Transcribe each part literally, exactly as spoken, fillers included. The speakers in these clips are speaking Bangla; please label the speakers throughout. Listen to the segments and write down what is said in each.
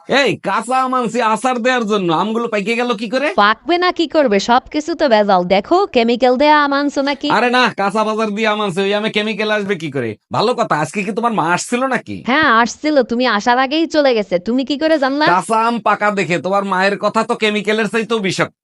Speaker 1: এই কাঁচা আম আনছি আচার দেওয়ার জন্য, আমগুলো পাইকে গেল কি করে?
Speaker 2: পাকবে না কি করবে, সবকিছু তো ভেজাল। দেখো কেমিক্যাল দেয়া আম আনছো নাকি?
Speaker 1: আরে না, কাঁচা বাজার দিয়ে আম আনছে, ওই আমে কেমিক্যাল আসবে কি করে? ভালো কথা, আজকে কি তোমার মা আসছিল নাকি?
Speaker 2: হ্যাঁ আসছিল, তুমি আসার আগেই চলে গেছে। তুমি কি করে জানলা?
Speaker 1: কাঁচা আম পাকা দেখে তোমার মায়ের কথা তো কেমিক্যালের চাইতেও বিষাক্ত।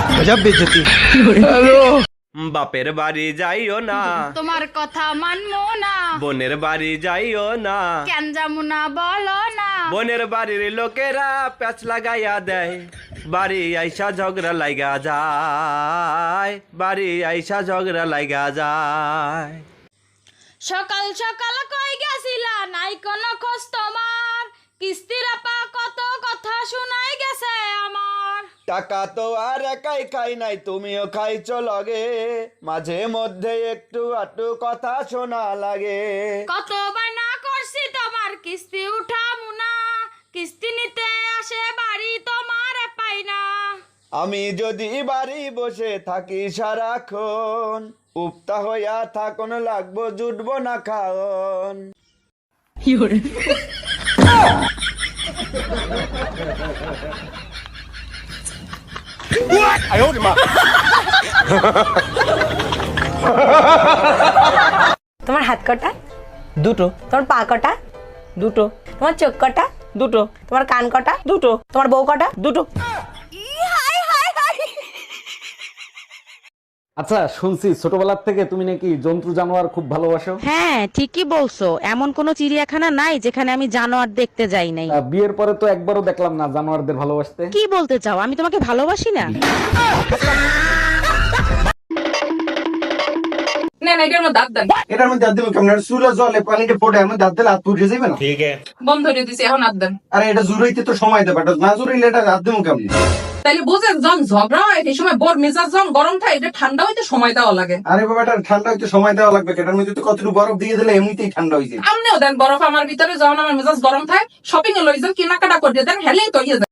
Speaker 3: বাপের বাড়ি যাইও না,
Speaker 4: তোমার কথা মানবো না,
Speaker 3: বোনের বাড়ি যাইও না,
Speaker 4: কেন যাবো না বলো না।
Speaker 3: বোনের বাড়ির লোকেরা প্যাচ লাগাইয়া দেয়, বাড়ি আইসা ঝগড়া লাগা যায়, বাড়ি আইসা ঝগড়া লাগা যায়।
Speaker 4: সকাল সকাল কই গেছিলা, নাই কোনো খোঁজ তোমার, কিস্তির আপা কত কথা শোনাই গেছে আমার।
Speaker 3: টাকা তো আর একাই খাই নাই, তুমিও খাইছো লগে, মাঝে মধ্যে একটু আটু কথা শোনা লাগে।
Speaker 4: কত বায়না করছি তোমার কিস্তি উঠামু না, কিস্তি নিতে আসে বাড়ি তোমার পাই না।
Speaker 3: আমি যদি বাড়ি বসে থাকি সারাক্ষণ, উপতা হইয়া থাকুন লাগবো জুটবো না খাওন।
Speaker 5: তোমার হাত কটা?
Speaker 6: দুটো।
Speaker 5: তোমার পা কটা?
Speaker 6: দুটো।
Speaker 5: তোমার চোখ কটা?
Speaker 6: দুটো।
Speaker 5: তোমার কান কটা?
Speaker 6: দুটো।
Speaker 5: তোমার বউ কটা?
Speaker 6: দুটো।
Speaker 1: আচ্ছা, শুনছি ছোটবেলার থেকে তুমি নাকি জন্তু জানোয়ার খুব ভালোবাসো।
Speaker 7: হ্যাঁ ঠিকই বলছো, এমন কোন চিড়িয়াখানা নাই যেখানে আমি জানোয়ার দেখতে যাই নাই।
Speaker 1: আহ, বিয়ের পরে তো একবারও দেখলাম না জানোয়ারদের ভালোবাসতে।
Speaker 7: কি বলতে চাও, আমি তোমাকে ভালোবাসি না?
Speaker 8: এটার মধ্যে দাঁত দেবেন কেমন? চুলা জলে পানিতে ফোটে এমন দাঁত দিলে হাত পুড়ে যাবে না?
Speaker 9: বন্ধ করে দিছি, এখন হাত দেন।
Speaker 8: আরে এটা জুড়াইতে তো সময় দেবে, এটা না জুড়াইলে এটা দাঁত দেবো কেমন?
Speaker 9: তাইলে বুঝেন, যখন ঝগড়া হয় এই সময় বোর মেজাজ যখন গরম থাকে, এটা ঠান্ডা হইতে সময় দেওয়া লাগে।
Speaker 8: আরে বাবা, এটা ঠান্ডা হইতে সময় দেওয়া লাগবে, এটার মধ্যে তো কতটুকু বরফ দিয়ে দিলে এমনিতেই ঠান্ডা হয়ে যায়।
Speaker 9: আমনেও দেন বরফ আমার ভিতরে, যখন আমার মেজাজ গরম থাকে শপিং এ লই যান, কেনাকাটা করে দেন, হেলেই তো ইয়ে যায়।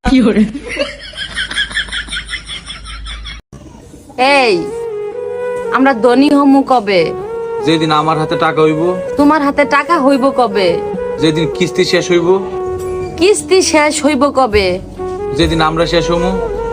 Speaker 2: এই আমরা ধনী হমু কবে?
Speaker 6: যেদিন আমার হাতে টাকা হইব,
Speaker 2: তোমার হাতে টাকা হইব কবে?
Speaker 6: যেদিন কিস্তি শেষ হইব,
Speaker 2: কিস্তি শেষ হইব কবে?
Speaker 6: যেদিন আমরা শেষ হমু।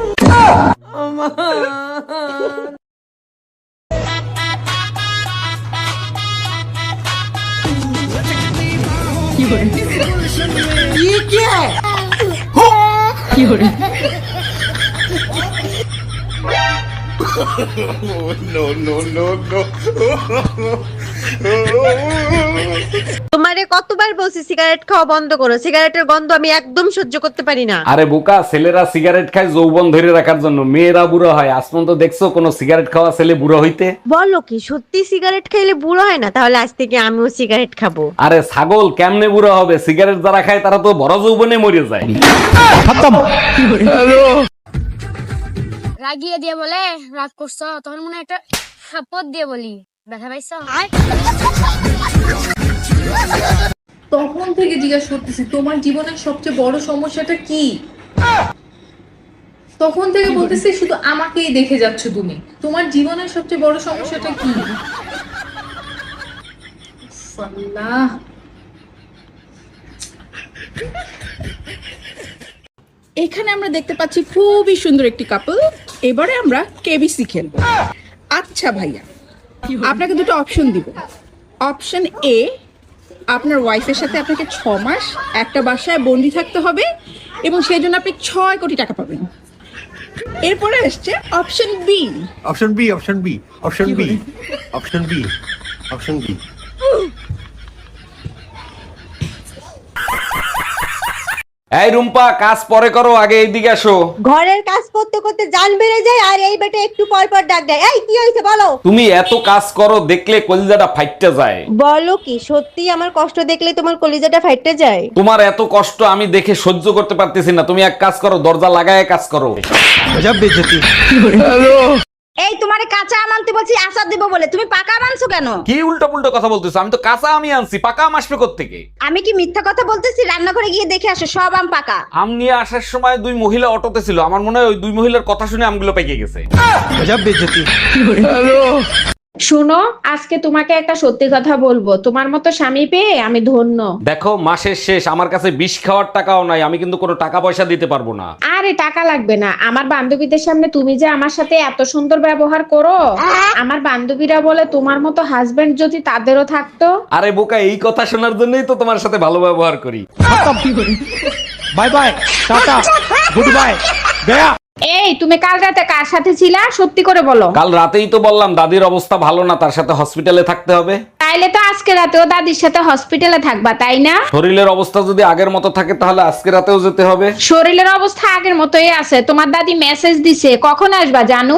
Speaker 2: তোমারে কতবার বলছি সিগারেট খাওয়া বন্ধ করো, সিগারেটের গন্ধ আমি একদম সহ্য করতে পারি না।
Speaker 1: আরে বোকা, ছেলেরা সিগারেট খায় যৌবন ধরে রাখার জন্য, মেয়েরা বুড়ো হয়। আসমন তো দেখছো কোনো সিগারেট খাওয়া ছেলে বুড়ো হইতে?
Speaker 2: বলো কি সত্যি সিগারেট খাইলে বুড়ো হয় না? তাহলে আজ থেকে আমিও সিগারেট খাবো।
Speaker 1: আরে ছাগল, কেমনে বুড়ো হবে? সিগারেট যারা খায় তারা তো বড় যৌবনে মরে যায়।
Speaker 4: রাগিয়ে দিয়ে বলে রাগ করছো, তখন মনে হয় একটা থাপ্পড় দিয়ে বলি ব্যথা পাইছো।
Speaker 10: তখন থেকে জিজ্ঞাসা করতেছি তোমার জীবনের সবচেয়ে বড় সমস্যাটা কি? তখন থেকে বলতেছি শুধু আমাকেই দেখে যাচ্ছ তুমি, তোমার জীবনের সবচেয়ে বড় সমস্যাটা কি? আল্লাহ, এখানে আমরা দেখতে পাচ্ছি খুবই সুন্দর একটি কাপল। এবারে আমরা কেবিসি খেলবো। আচ্ছা ভাইয়া, আপনাকে দুটো অপশন দিব। অপশন এ, আপনার ওয়াইফের সাথে আপনাকে ছ মাস একটা বাসায় বন্দি থাকতে হবে এবং সেই জন্য আপনি ছয় কোটি টাকা পাবেন। এরপরে আসছে option B.
Speaker 8: Option B, option B, option B, option B, option B.
Speaker 1: এই রুম্পা, কাজ পরে করো, আগে এইদিকে আসো।
Speaker 2: ঘরের কাজ করতে করতে জান বেড়ে যায় আর এই বেটা একটু পর পর ডাক দেয়। এই কি হয়েছে বলো?
Speaker 1: তুমি এত কাজ করো, দেখলে কলিজাটা ফাইটতে যায়।
Speaker 2: বলো কি সত্যি আমার কষ্ট দেখলে তোমার কলিজাটা ফাইটে যায়?
Speaker 1: তোমার এত কষ্ট আমি দেখে সহ্য করতে পারতেছি না। তুমি এক কাজ করো, দরজা লাগায় কাজ করো।
Speaker 5: এই তোমারে কাঁচা আম আনতে বলছি আচার দেবো বলে, তুমি পাকা আম আনছো কেন?
Speaker 1: কি উল্টো পুল্টো কথা বলতেছো? আমি তো কাঁচা আমি আনছি, পাকা আম আসবে কোত্থেকে?
Speaker 5: আমি কি মিথ্যা কথা বলতেছি? রান্নাঘরে গিয়ে দেখে আসো, সব আম পাকা।
Speaker 1: আম নিয়ে আসার সময় দুই মহিলা অটোতে ছিল, আমার মনে হয় ওই দুই মহিলার কথা শুনে আমগুলো পেকে গেছে।
Speaker 5: শুনো, আজকে তোমাকে একটা সত্যি কথা বলবো, তোমার মতো স্বামী পেয়ে আমি ধন্য।
Speaker 1: দেখো মাসের শেষ, আমার কাছে বিষ খাওয়ার টাকাও নাই, আমি কিন্তু কোনো টাকা পয়সা দিতে পারবো না।
Speaker 5: আরে টাকা লাগবে না, আমার বান্ধবীদের সামনে তুমি যে আমার সাথে এত সুন্দর ব্যবহার করো, আমার বান্ধবীরা বলে তোমার মতো হাজবেন্ড যদি তাদেরও থাকতো।
Speaker 1: আরে বোকা, এই কথা শোনার জন্যই তো তোমার সাথে ভালো ব্যবহার করি।
Speaker 6: Bye bye, tata, good bye, গয়া।
Speaker 5: এই তুমি কাল রাতে কার সাথে ছিলা, সত্যি করে বলো।
Speaker 1: কাল রাতেই তো বললাম দাদির অবস্থা ভালো না, তার সাথে হসপিটালে থাকতে হবে।
Speaker 5: তাইলে তো আজকে রাতেও দাদির সাথে হসপিটালে থাকবা, তাই না?
Speaker 1: শরীরের অবস্থা যদি আগের মতো থাকে তাহলে আজকে রাতেও যেতে হবে।
Speaker 5: শরীরের অবস্থা আগের মতোই আছে, তোমার দাদি মেসেজ দিছে, কখন আসবা জানু?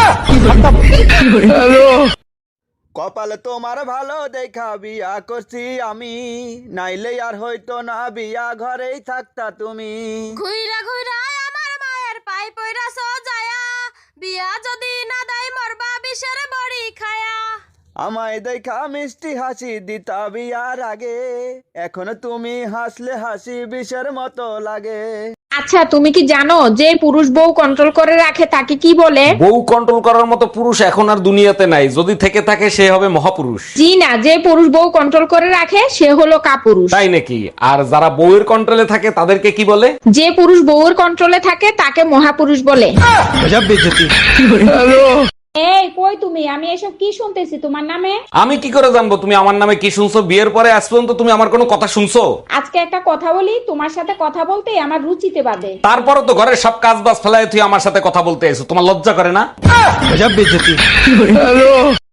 Speaker 3: কপাল তোমার ভালো দেখা বিয়া করছি আমি, নাইলে আর হয়তো না বিয়া ঘরেই থাকতা তুমি।
Speaker 4: ঘুইরা ঘুইরা আমার মায়ের পাই পইরা সোজায়া, বিয়া যদি না দেয় মরবা বিষের বড়ি খায়া।
Speaker 3: আমায় দেখা মিষ্টি হাসি দিতা বিয়ার আগে, এখন তুমি হাসলে হাসি বিষের মতো লাগে।
Speaker 5: আচ্ছা তুমি কি জানো যে পুরুষ বউ কন্ট্রোল করে রাখে তাকে কি বলে?
Speaker 1: বউ কন্ট্রোল করার মতো পুরুষ এখন আর দুনিয়াতে নাই, যদি থেকে থাকে সে হবে মহাপুরুষ।
Speaker 5: জি না, যে পুরুষ বউ কন্ট্রোল করে রাখে সে হলো কাপুরুষ।
Speaker 1: তাই নাকি? আর যারা বউয়ের কন্ট্রোলে থাকে তাদেরকে কি বলে?
Speaker 5: যে পুরুষ বউয়ের কন্ট্রোলে থাকে তাকে মহাপুরুষ বলে। এই কই তুমি, আমি এসব কি শুনতেছি তোমার নামে?
Speaker 1: আমি কি করে জানবো তুমি আমার নামে কি শুনছো? বিয়ের পরে আজ পর্যন্ত তুমি আমার কোনো কথা শুনছো?
Speaker 5: আজকে একটা কথা বলি, তোমার সাথে কথা বলতে আমার রুচিতে বাদে।
Speaker 1: তারপরও তো ঘরের সব কাজ বাজ ফেলায় তুই আমার সাথে কথা বলতে এসো, তোমার লজ্জা করে না?